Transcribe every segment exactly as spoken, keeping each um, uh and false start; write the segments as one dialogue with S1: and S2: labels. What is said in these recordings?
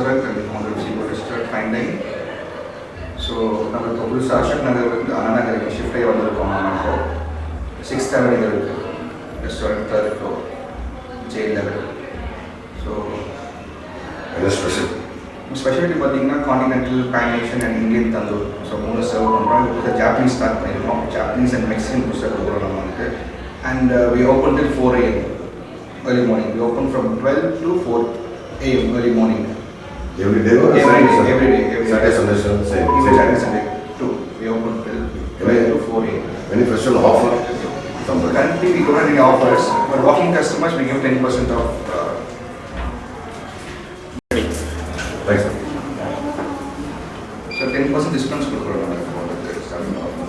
S1: restaurant and founder of Seafood Restaurant, Fine Dining. So, நம்ம இப்போ புதுசாக அசோக் நகர் வந்து அண்ணா நகருக்கு ஷிஃப்ட் ஆகி வந்திருக்கோம். நம்ம இப்போ சிக்ஸ்த் அவென்யூ இருக்குது restaurant, third floor, J level. So
S2: என்ன ஸ்பெஷல்
S1: ஸ்பெஷாலிட்டி பார்த்தீங்கன்னா continental, pan Asian and Indian tandoor. So மூணு சர்வ் பண்ணுறோம். இப்போ ஜாப்பனீஸ் ஸ்டார்ட் பண்ணியிருக்கோம். ஜாப்பனீஸ் அண்ட் மெக்சிகன் புதுசாக கொடுக்குறோம் நம்ம வந்துட்டு. And we open till four AM early morning. We open from twelve to four a.m. early morning.
S2: Every day or
S1: every
S2: Sunday?
S1: day, every day, every
S2: Saturday,
S1: day.
S2: Sunday, Sunday, same.
S1: Even
S2: same.
S1: Saturday, Sunday too. We open till twelve to four a.m.
S2: Any special offer? Somebody.
S1: Currently, we don't have any offers. For walking customers, we give ten percent off. Uh,
S2: Thanks, sir.
S1: so ten percent discounts கொடுக்குறோம் for the starting off.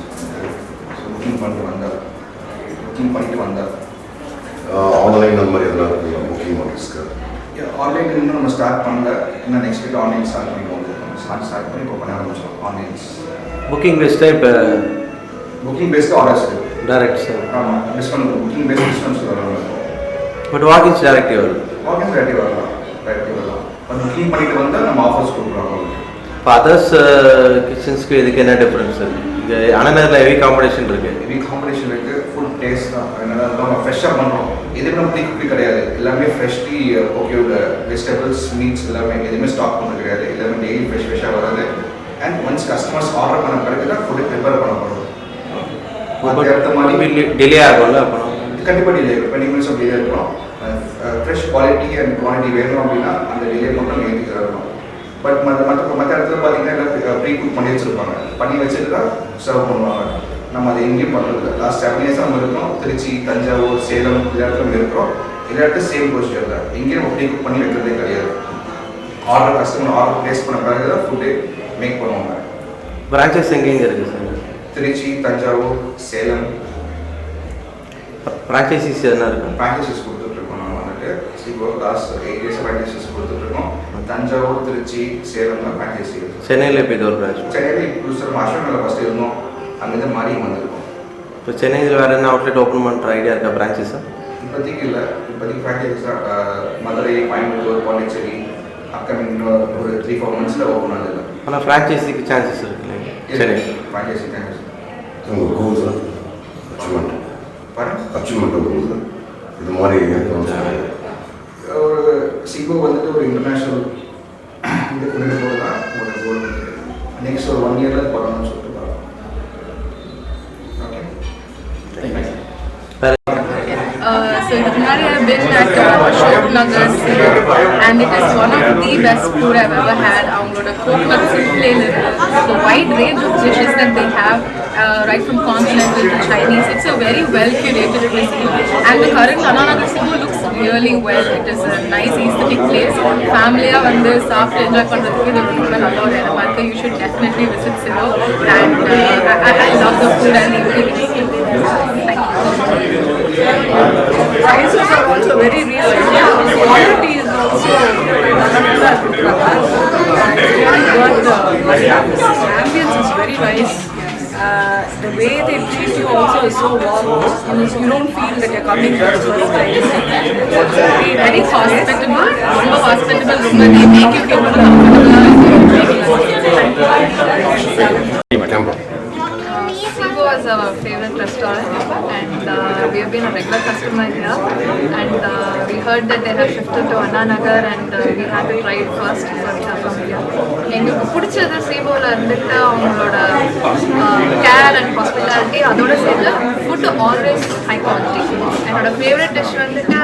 S1: So booking பண்ணிட்டு வந்தா, booking பண்ணிட்டு வந்தா.
S2: Online அந்த மாதிரி எதனா இருக்குங்களா booking ஆஃபீஸ்க்கு?
S1: ஆன்லைன் இன்னும் நம்ம ஸ்டார்ட் பண்ணல. இன்னும் நெக்ஸ்ட் வீக் ஆன்லைன் ஸ்டார்ட் பண்ணிடுவோம். ஸ்டார்ட் ஸ்டார்ட் பண்ணி இப்போ பண்ண ஆரம்பிச்சோம் ஆன்லைன்ஸ்.
S3: புக்கிங் பெஸ்ட்டாக இப்போ
S1: booking based orders
S3: direct sir.
S1: ஆமாம், டிஸ்கவுண்ட் புக்கிங் பேஸ்ட் டிஸ்கவுண்ட்ஸ் வரலாம்.
S3: பட் வாக்கிங்ஸ் டேரக்டிவ் வரும்.
S1: வாக்கிங்ஸ் டேரக்டிவ் வரலாம், டேரக்டிவ் வரலாம். பட் புக்கிங் பண்ணிட்டு வந்தால் நம்ம ஆஃபர்ஸ் கொடுக்குறோம்.
S3: இப்போ அதர்ஸ் கிச்சன்ஸ்க்கு இதுக்கு என்ன டிஃப்ரென்ஸ் இருக்குது? இது அனநகரில் ஹெவி காம்படிஷன் இருக்குது.
S1: ஹெவி காம்படிஷன் இருக்குது. ஃபுட் டேஸ்ட் தான் என்னென்னா நம்ம ஃப்ரெஷ்ஷாக பண்ணுறோம். எதுவுமே நம்ம ப்ரீ குக்கி கிடையாது. எல்லாமே ஃப்ரெஷ்லி ஓகேவோட வெஜிடபிள்ஸ், மீட்ஸ் எல்லாமே எதுவுமே ஸ்டாக் பண்ணுறது கிடையாது. எல்லாமே டெய்லி ஃப்ரெஷ் ஃப்ரெஷ்ஷாக வராது. அண்ட் ஒன்ஸ் கஸ்டமர்ஸ் ஆர்டர் பண்ண பிறகு தான் ஃபுட்டு ப்ரிப்பேர் பண்ண போகிறோம். அடுத்த மாதிரி
S3: டிலே ஆகும்ல அப்புறம்?
S1: கண்டிப்பாக டிலே இருக்கும். டுவெண்ட்டி மினிட்ஸ் டிலே இருக்கணும். ஃப்ரெஷ் குவாலிட்டி அண்ட் குவான்டிட்டி வேணும் அப்படின்னா அந்த டிலே மட்டும் ஏற்றிட்டு இருக்கணும். பட் மற்ற மற்ற மற்ற இடத்துல பார்த்தீங்கன்னா எல்லாம் ப்ரீ குக் பண்ணி வச்சுருப்பாங்க. பண்ணி வச்சுட்டு தான் சர்வ் பண்ணுவாங்க. நம்ம அதை எங்கேயும் பண்ணுறது. லாஸ்ட் செவன் இயர்ஸாக நம்ம இருக்கோம். திருச்சி, தஞ்சாவூர், சேலம் எல்லா இடத்துல இருக்கிறோம். எல்லா இடத்துல சேம் ப்ரொசீஜர் தான். எங்கேயும் நம்ம ப்ரீ குக் பண்ணி வைக்கிறதே கிடையாது. ஆர்டர் கஸ்டமர் ஆர்டர் ப்ளேஸ் பண்ண பிறகு தான் ஃபுட்டு மேக் பண்ணுவாங்க.
S3: பிரான்ச்சஸ் எங்கெங்கே இருக்குது சார்?
S1: திருச்சி, தஞ்சாவூர், சேலம்.
S3: ஃப்ரான்ச்சைசிஸ் எதனா இருக்கும்?
S1: ஃப்ரான்ச்சைசிஸ் கொடுத்துட்ருக்கோம். நம்ம வந்துட்டு இப்போ லாஸ்ட் எயிட் இயர்ஸ் ஃப்ரான்ச்சைசிஸ் கொடுத்துட்ருக்கோம். தஞ்சாவூர், திருச்சி, சேலம் தான் ஃப்ரான்ச்சைசி.
S3: சென்னையில் இப்போ இது ஒரு பிரான்ச்.
S1: சென்னையில் இப்போ சார் அசோக் நகர் ஃபஸ்ட்டு இருந்தோம். அங்கேருந்து மாறி வந்திருக்கோம்.
S3: இப்போ சென்னையில் வேறு என்ன அவுட்லெட் ஓப்பன் பண்ணுற ஐடியா இருக்கா பிரான்ச்சஸா?
S1: இப்போதைக்கு இல்லை. இப்போதைக்கு ஃப்ரான்ச்சைசிஸ் தான் மதுரை, கோயம்புத்தூர், பாண்டிச்சேரி அப்கமிங் இன்னும் ஒரு த்ரீ ஃபோர் மந்த்ஸில் ஓப்பன் ஆகுது.
S3: ஆனால் ஃப்ரான்ச்சைசிக்கு சான்சஸ் இருக்கு இல்லைங்க? சரி,
S1: ஃப்ரான்ச்சைசி சான்சஸ்.
S2: உங்கள் கோல் சார் அச்சீவ்மெண்ட்
S1: பாருங்க,
S2: அச்சீவ்மெண்ட் கோல் சார் இது மாதிரி
S1: ஒரு சிகோ வந்துட்டு ஒரு இன்டர்நேஷ்னல் இந்த கொண்டு போகிறது தான் ஒரு கோல். நெக்ஸ்ட் ஒரு ஒன் இயரில் பண்ணணும்னு சொல்லிட்டு பார்க்கலாம். Okay,
S4: Uh, so Nari, I've been at uh, Ashok Nagar and it is one of the best food I've ever had. அவங்களோட coconut simple, the wide range of dishes that they have, uh, right from continental to Chinese. It's a very well curated cuisine, and the current Anna Nagar Cebu looks really well. It is a nice aesthetic place. Family-ஆ வந்து சாப்பிட்டு enjoy பண்ணுறதுக்கு இது ரொம்ப நல்ல ஒரு இடமா இருக்கு. You should definitely visit Cebu, and uh, I, I love the food and the ingredients. Thank you.
S5: Prices are also very reasonable. Quality is also really good. The ambience is very nice. Uh, the way they treat you also is so warm. You don't feel that you're coming for the first time. It's very,
S4: very hospitable. ரொம்ப hospitable. ரொம்ப they make you feel comfortable. Seago is our favorite restaurant, and uh, we have been a regular customer here. And uh, we heard that they have shifted to Anna Nagar, and uh, we had to try it first from here. எங்களுக்கு பிடிச்சது சீகோவில் இருந்துட்டு அவங்களோட care and hospitality, அதோட சேர்ந்து food always high quality. என்னோட favourite dish வந்துட்டு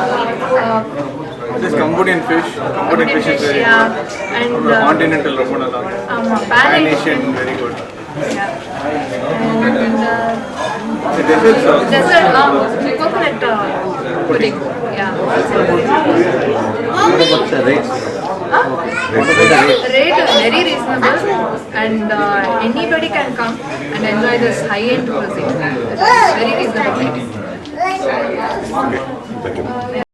S6: This Cambodian fish, Cambodian fish is very
S4: yeah,
S6: good.
S4: and
S6: uh, continental ரொம்ப நல்லா இருக்கு.
S4: ஆமா,
S6: Pan-Asian very good.
S4: Yeah. And uh,
S6: The desserts are
S4: dessert, um, coconut uh, pudding. Yeah.
S3: rates?
S4: Huh? Rate is very reasonable, and uh, anybody can come and enjoy this high-end cuisine. It's very reasonable.
S2: Thank you.